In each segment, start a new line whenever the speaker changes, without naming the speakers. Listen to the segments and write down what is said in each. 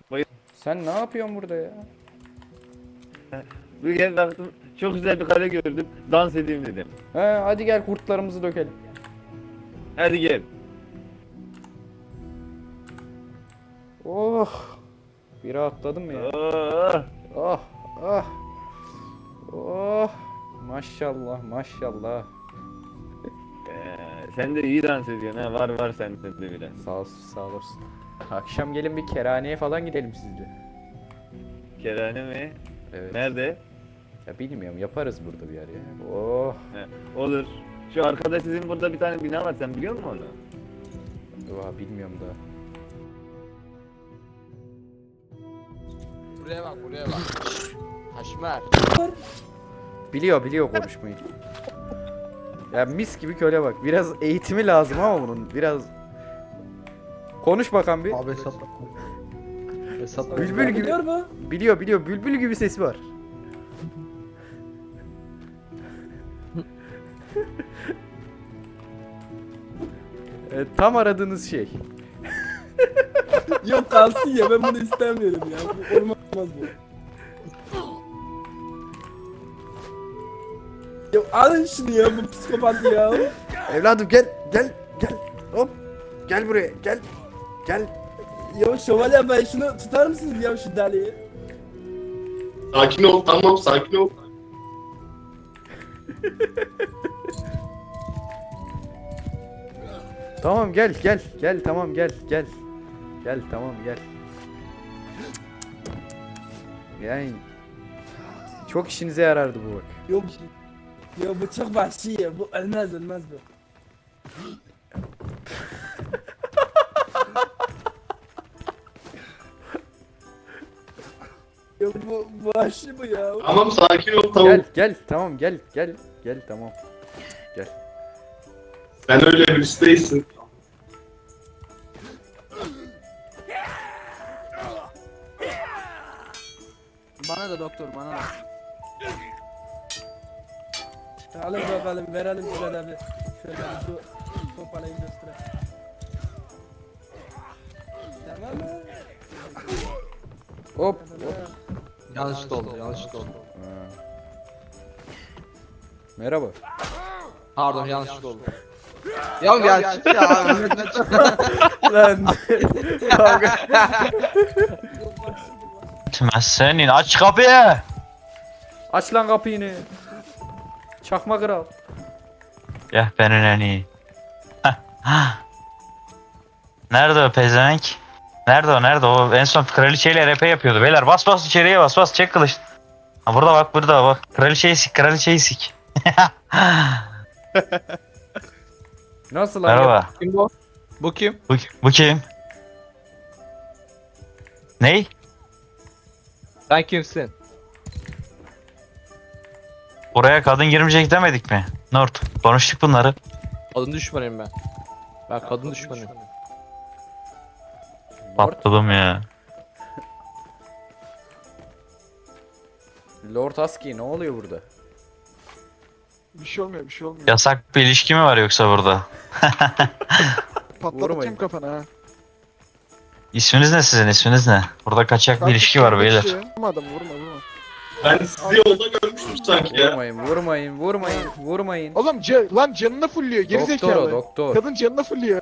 Sen ne yapıyorsun burada ya?
Bir kez baktım çok güzel bir kare gördüm. Dans edeyim dedim.
He, hadi gel kurtlarımızı dökelim.
Hadi gel.
Oh. Bir rahatladım ya.
Oh.
Oh. Oh. Oh. Maşallah maşallah.
Sen de iyi dans ediyorsun ha. Var sende de biraz.
Sağ olsun sağ olasın. Akşam gelin bir kerhaneye falan gidelim sizce.
Kerane mi?
Evet.
Nerede?
Ya bilmiyorum yaparız burada bir yer ya. Oh.
He, olur. Şu arkada sizin burada bir tane bina var. Sen biliyor musun onu?
Oha, bilmiyorum daha.
Buraya bak buraya bak. Haşmer.
Biliyor konuşmayı. Ya mis gibi köle bak. Biraz eğitimi lazım ama bunun. Biraz konuş bakalım bir.
Abi hesap. Hesap.
Bülbül gibi.
Biliyor mu?
Biliyor. Bülbül gibi sesi var. Tam aradığınız şey.
Yok kalsın ya, ben bunu istemiyorum ya. Bu olmaz bu. Ya alın şunu ya, bu psikopat ya.
Evladım gel. Hop. Gel buraya. Gel.
Ya şövalye, ben şunu tutar mısınız ya, şu deliği?
Sakin ol, tamam sakin ol.
Tamam gel. Tamam gel. Gel tamam gel. Yani çok işinize yarardı bu bak.
Yok. Ya bu çok vahşi ya, bu ölmez bu. Ya bu vahşi bu ya.
Tamam sakin ol, tamam.
Gel tamam gel tamam.
Sen öyle birisi değilsin.
Bana da doktor bana da.
Alın bakalım, verelim şöyle bir. Şöyle bir şu topalayı göstereyim. Tamam mı?
Hop.
Yanlışlıkla oldu.
Merhaba.
Pardon yanlışlıkla oldu. Ya çık ya.
Lan. Kavga.
Etmez senin, aç kapıyı.
Aç lan kapıyı. Çakma kral.
Ya benim en iyi. Nerede o pezevenk? Nerede o? En son kraliçeyle RP yapıyordu. Beyler bas içeriye bas çek kılıç. Ha burada bak. Kraliçeyi sik.
Nasıl lan?
Merhaba.
Kim bu? Bu kim?
Bu kim? Ney?
Sen kimsin?
Buraya kadın girmeyecek demedik mi? Nort, konuştuk bunları.
Kadın düşmanıyım ben. Ben kadın düşmanıyım.
Patladım ya.
Lord Husky ne oluyor burada?
Bir şey olmuyor.
Yasak bir ilişki mi var yoksa burada?
Vurmayın.
Patlatacağım kafana ha.
İsminiz ne sizin? İsminiz ne? Burada kaçak bir ilişki var beyler.
Vurma adamı, vurma.
Ben sizi yolda görmüştüm sanki ya.
Vurmayın.
Oğlum lan canını fulluyor, geri
Doktor
zekalı.
o doktor.
Kadın canını fulluyor.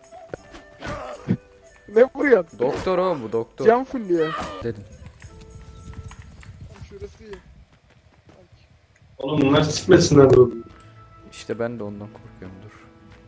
Ne vuruyorsun?
Doktor o bu doktor.
Can fulluyor.
Dedim.
Şurası iyi.
Oğlum bunlar sikmesinler de.
İşte ben de ondan korkuyorum dur.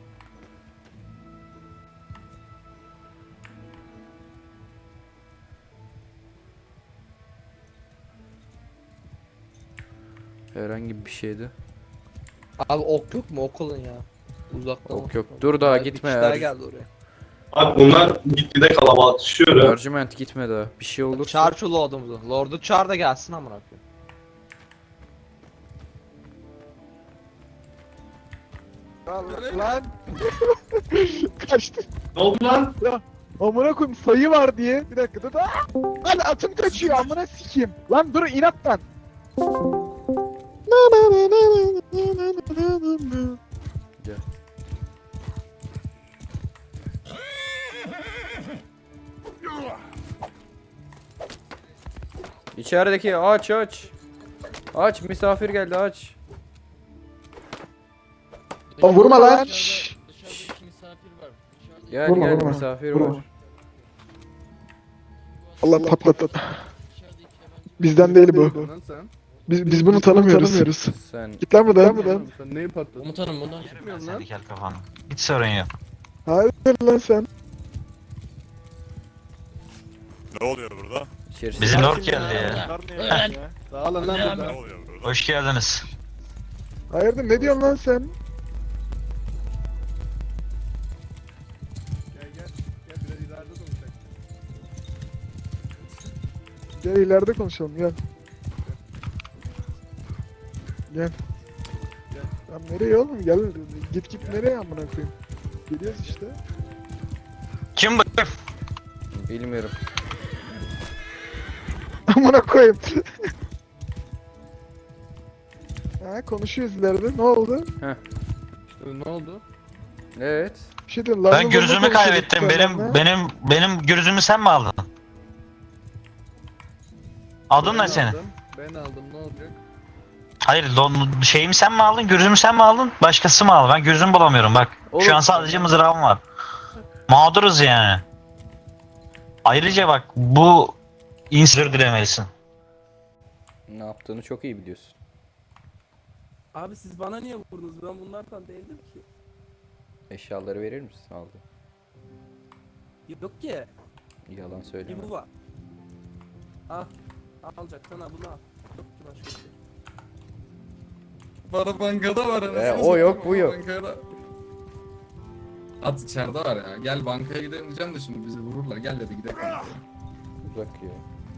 Herhangi bir şeydi.
Abi ok yok mu okulun ya? Uzaktan
Ok yok. Dur daha gitme.
Daha geldi oraya.
Bak bunlar gitgide kalabalıklaşıyor ya.
Ercüment gitme daha. Bir şey olursa.
Çağır şu lordumuzu. Lord'u çağır da gelsin amına koyayım.
Lan. Kaçtı.
Ne oldu lan?
Amına koyayım, sayı var diye. Bir dakika dur. Lan atım kaçıyor, amına sikeyim. Lan dur, inat lan.
Gel. İçerideki aç aç. Aç misafir geldi aç.
Oğlum vurma lan. Şşş.
Dışarıdaki misafir var.
Gel
Vurma,
gel
vurma,
misafir
vurma.
var.
Allah patlattı.
Dışarıdaki yabancı
Bizden değil bu.
Lan sen.
Biz bunu tanımıyoruz.
Sen
Git lan buradan.
Sen neyi patladın?
Komutanım bundan
Ben
çıkmıyorum
seni
lan.
kel kafanı. Hiç sorun yok.
Hayır lan sen.
Ne oluyor burada?
içerisi.
Bizim Lord geldi ya.
Dağılın lan
Ne
buradan.
oluyor burada?
Hoş geldiniz.
Hayırdır ne diyorsun lan sen?
Gel gel. Gel biraz ileride konuşalım.
Gel ileride konuşalım gel. Gel. Lan nereye oğlum gel git nereye amına koyayım. Geliyoruz işte.
Kim bu?
Bilmiyorum.
Amına koyayım. Ha konuşuyoruz ileride ne oldu?
Ne oldu?
Evet.
Bir şey diyorum.
Ben gürzümü kaybettim. Benim gürzümü sen mi aldın? Aldın ne senin?
Ben aldım ne olacak?
Hayır, şeyimi sen mi aldın? Gürzümü sen mi aldın? Başkası mı aldı? Ben gürzümü bulamıyorum bak.
Oğlum.
Şu an sadece mızrağım var. Mağduruz yani. Ayrıca bak bu insür dilemelisin.
Ne yaptığını çok iyi biliyorsun.
Abi siz bana niye vurdunuz? Ben bunlardan değildim ki.
Eşyaları verir misin? Aldı.
Yok ki.
Yalan söyleme.
Bir bu var. Al. Alacaksan al bunu al. Yok ki başka bir şey.
Para bankada var anasını
o yok,
satayım,
bu yok.
bankada. At içeride var ya. Gel bankaya gidelim diyeceğim de şimdi bizi vururlar. Gel dedi gidelim.
Uzak ya.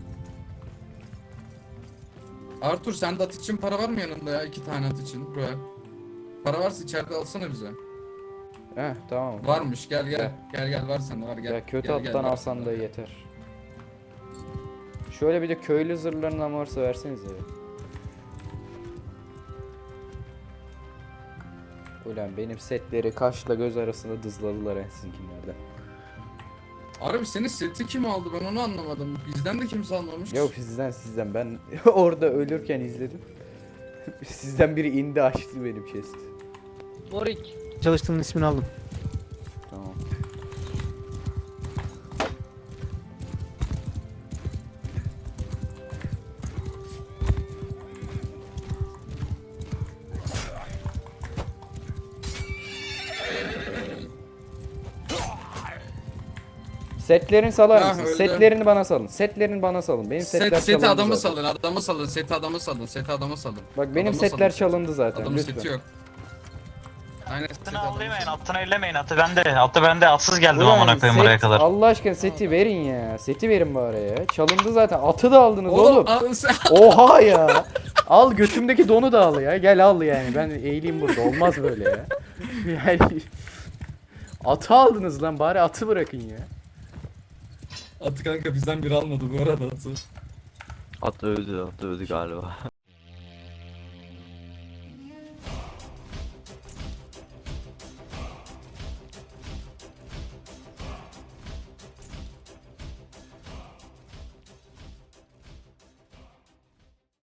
Artur sende at için para var mı yanında ya? 2 tane at için. Buraya. Para varsa içeride alsana bize.
Heh tamam.
Varmış gel gel. Gel var sende var gel.
Ya kötü
Gel, gel,
attan
var
alsan
sende,
da
gel.
yeter. Şöyle bir de köylü zırhlarından varsa versenize ya. Ulan benim setleri kaşla göz arasında dızladılar en sizinkilerden.
Abi senin seti kim aldı ben onu anlamadım. Bizden de kimse almamış.
Yok sizden ben orada ölürken izledim. Sizden biri indi açtı benim chest'i.
Morik.
Çalıştığının ismini aldım.
Tamam. Setlerin salar
Ya
mısın?
öyle.
Setlerini bana salın. Setlerini bana salın. Benim setler
Seti
çalındı
adamı
zaten.
salın, adamı salın, seti adamı salın, seti adamı salın.
Bak benim
Adamı
setler
salın.
çalındı zaten.
Adamın
Lütfen.
seti yok. Aynen seti
Atını
adamı
avlayamayın,
salın.
atını ellemeyin. Atı bende. Atsız geldim
Ulan
amına koyayım buraya
set,
kadar.
Allah aşkına seti verin ya. Seti verin bari ya. Çalındı zaten. Atı da aldınız oğlum.
Al sen.
Oha ya. Al götümdeki donu da al ya. Gel al yani. Ben eğileyim burada. Olmaz böyle ya. Yani atı aldınız lan. Bari atı bırakın ya.
Atı kanka bizden biri almadı bu arada atı.
At öldü galiba.